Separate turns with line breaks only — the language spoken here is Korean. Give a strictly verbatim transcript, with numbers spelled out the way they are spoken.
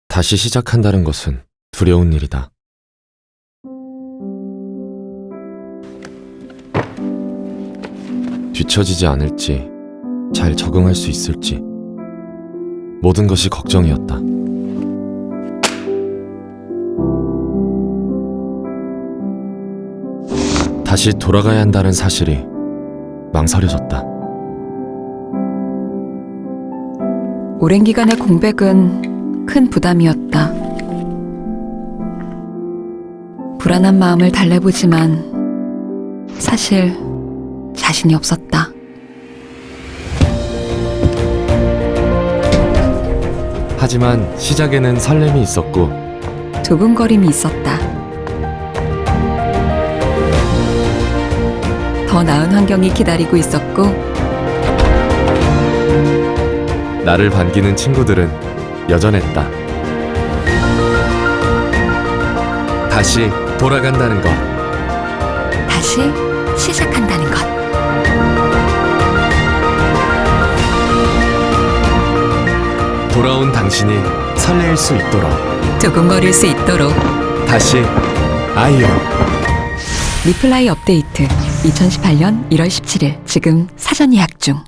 다시 시작한다는 것은 두려운 일이다. 뒤처지지 않을지, 잘 적응할 수 있을지, 모든 것이 걱정이었다. 다시 돌아가야 한다는 사실이 망설여졌다.
오랜 기간의 공백은 큰 부담이었다. 불안한 마음을 달래보지만 사실 자신이 없었다.
하지만 시작에는 설렘이 있었고
두근거림이 있었다. 더 나은 환경이 기다리고 있었고
나를 반기는 친구들은 여전했다. 다시 돌아간다는 것,
다시 시작한다는 것.
돌아온 당신이 설레일 수 있도록,
두근거릴 수 있도록.
다시 아이유.
리플라이 업데이트 이천십팔 년 일월 십칠일 지금 사전 예약 중.